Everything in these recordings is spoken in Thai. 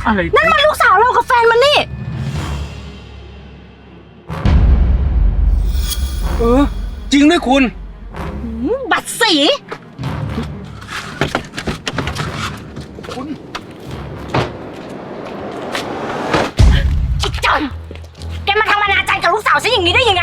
อะไรนั่นมันลูกสาวเรากับแฟนมันนี่จริงด้วยคุณบัตรสีคุณไอ้จอนแกมาทำอนาจารกับลูกสาวฉันอย่างนี้ได้ยังไง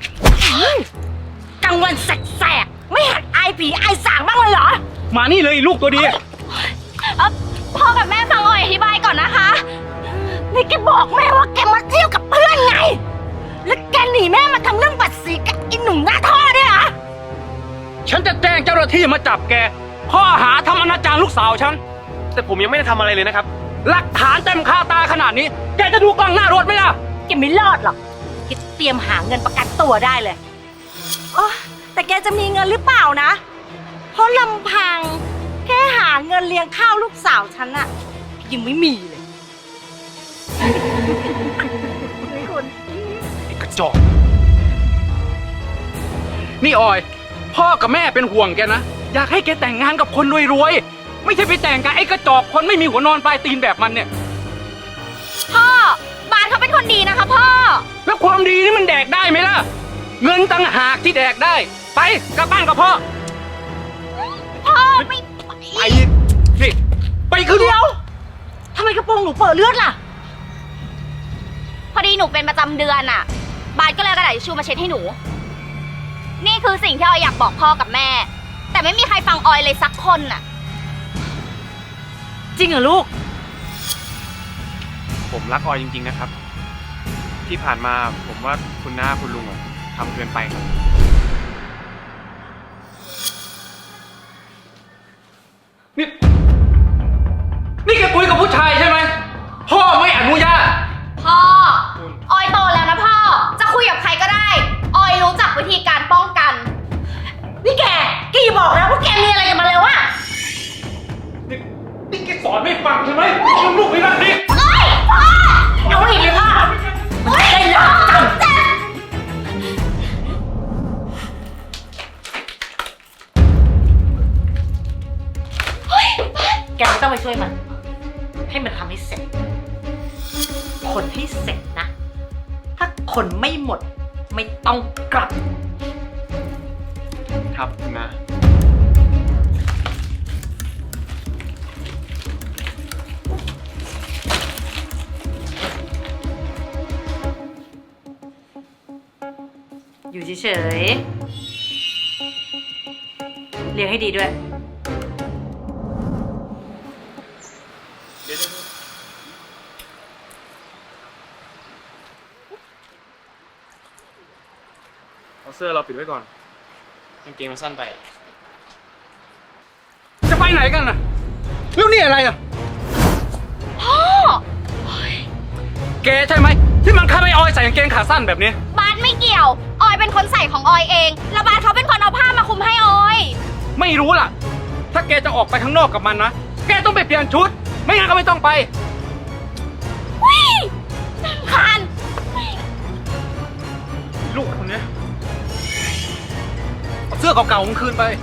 กลางวันแสกๆไม่หัดอายผีอายสางบ้างเลยเหรอมานี่เลยลูกตัวดีพ่อกับแม่ฟังออยอธิบายก่อนนะคะนี่แกบอกแม่ว่าแกมาเที่ยวกับเพื่อนไงแล้วแกหนีแม่มาทำเรื่องบัตรสีกับไอ้หนุ่มหน้าท่อเนี่ยเหรอฉันจะแจ้งเจ้าหน้าที่มาจับแกข้อหาทำอนาจารลูกสาวฉันแต่ผมยังไม่ได้ทำอะไรเลยนะครับหลักฐานเต็มคาตาขนาดนี้แกจะดูกล้องหน้ารถไหมล่ะแกไม่รอดหรอกแกเตรียมหาเงินประกันตัวได้เลยอ๋อแต่แกจะมีเงินหรือเปล่านะเพราะลำพังแค่หาเงินเลี้ยงข้าวลูกสาวฉันอะยังไม่มีเลยไอ้กระจอกนี่ออยพ่อกับแม่เป็นห่วงแกนะอยากให้แกแต่งงานกับคนรวยๆไม่ใช่ไปแต่งกับไอ้กระจอกคนไม่มีหัวนอนปลายตีนแบบมันเนี่ยพ่อบานเขาเป็นคนดีนะคะพ่อแล้วความดีนี่มันแดกได้ไหมล่ะเงินต่างหากที่แดกได้ไปกลับบ้านกับพ่อไม่ไปนี่ไปคือเดียวทำไมกระโปรงหนูเปิดเลือดล่ะพอดีหนูเป็นประจำเดือนอะบาสก็เลยกระดาษทิชชู่มาเช็ดให้หนูนี่คือสิ่งที่ออยอยากบอกพ่อกับแม่แต่ไม่มีใครฟังออยเลยสักคนน่ะจริงเหรอลูกผมรักออยจริงๆนะครับที่ผ่านมาผมว่าคุณน้าคุณลุงทำเกินไปครับนี่แกคุยกับผู้ชายใช่ไหมพ่อไม่อนุญาตพ่อออยโตแล้วนะพ่อจะคุยกับใครก็ได้ออยรู้จักวิธีการป้องกันนี่แกอย่าบอกนะว่าแกมีอะไรกันมาแล้วอะนี่แกสอนไม่ฟังใช่ไหมลูกไม่รักดิพ่อเอาอีกเลยพ่อได้แล้วจังแกไม่ต้องไปช่วยมันให้มันทำให้เสร็จคนให้เสร็จนะถ้าคนไม่หมดไม่ต้องกลับครับคุณน้าอยู่เฉยๆเลี้ยงให้ดีด้วยเอาเสื้อเราปิดไว้ก่อนกางเกงมันสั้นไปจะไปไหนกันน่ะแล้วนี่อะไรอ่ะพ่อแกใช่ไหมที่มันฆ่าไอ้ออยใส่กางเกงขาสั้นแบบนี้บาสไม่เกี่ยวออยเป็นคนใส่ของออยเองแล้วบาสเขาเป็นคนเอาผ้ามาคลุมให้ออยไม่รู้ล่ะถ้าแกจะออกไปข้างนอกกับมันนะแกต้องไปเปลี่ยนชุดไม่งั้นก็ไม่ต้องไปวิ่งคานลูกคนนี้เอาเสื้อเก่าๆของคืนไป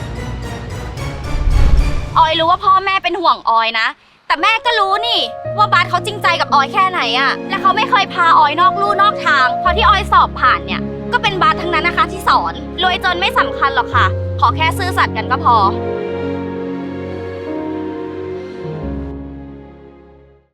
ออยรู้ว่าพ่อแม่เป็นห่วงออยนะแต่แม่ก็รู้นี่ว่าบาสเขาจริงใจกับออยแค่ไหนอะและเขาไม่เคยพาออยนอกลู่นอกทางพอที่ออยสอบผ่านเนี่ยก็เป็นบาสทั้งนั้นนะคะที่สอนรวยจนไม่สำคัญหรอกค่ะขอแค่ซื่อสัตย์กันก็พอ